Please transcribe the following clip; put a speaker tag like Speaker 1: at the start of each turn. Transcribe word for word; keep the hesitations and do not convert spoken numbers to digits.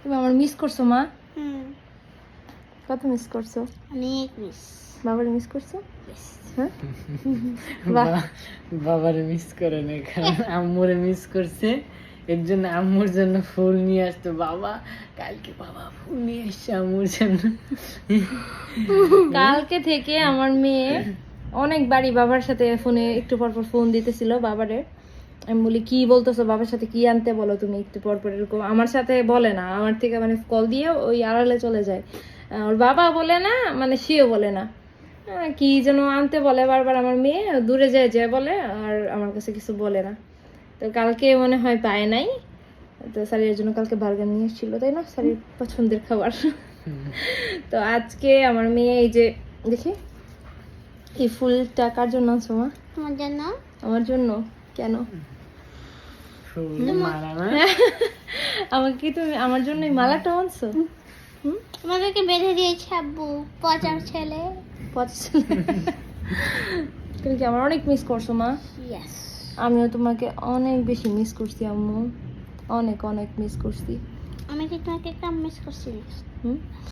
Speaker 1: তুমি আমার মিস করছো মা?
Speaker 2: হুম
Speaker 1: কত মিস করছো?
Speaker 2: অনেক মিস।
Speaker 1: বাবারে মিস করছো? হ্যাঁ
Speaker 3: বাবারে মিস করে না, কারণ আম্মুরে মিস করছে, এর জন্য আম্মুর জন্য ফুল নিয়ে আসতো। বাবা কালকে বাবা ফুল নিয়ে এসছে আম্মুর জন্য।
Speaker 1: কালকে থেকে আমার মেয়ে অনেকবারই বাবার সাথে ফোনে একটু পর পর ফোন দিতেছিল বাবারে। আমি বলি কি বলতেছো, বাবার সাথে কি আনতে বলো তুমি একটু পর পর, এরকম আমার সাথে বলে না, আমার থেকে মানে কল দিয়ে ওই আড়ালে চলে যায়। ওর বাবা বলে না, মানে সেও বলে না, কি যেন আনতে বলে বারবার আমার মেয়ে, দূরে যায় যায় বলে, আর আমার কাছে কিছু বলে না। তো কালকে মনে হয় পায় নাই, তো স্যারের জন্য কালকে বার্গার নিয়ে এসেছিল, তাই না, স্যারের পছন্দের খাবার। তো আজকে আমার মেয়ে এই যে দেখি এই ফুলটা কার জন্য আনছো মা?
Speaker 2: তোমার জন্য।
Speaker 1: আমার জন্য? কেন?
Speaker 3: ফুল মালা না,
Speaker 1: আমাকে কি তুমি আমার জন্য এই মালাটা আনছো?
Speaker 2: তোমাদেরকে বেঁধে দিয়েছে আব্বু, পচার ছেলে।
Speaker 1: পছন্দ। তুমি কি আমার অনেক মিস করছো মা?
Speaker 2: ইয়েস।
Speaker 1: আমিও তোমাকে অনেক বেশি মিস করছি আম্মু, অনেক অনেক মিস করছি।
Speaker 2: আমি কি তোমাকে একটা মিস করছি?
Speaker 1: হুম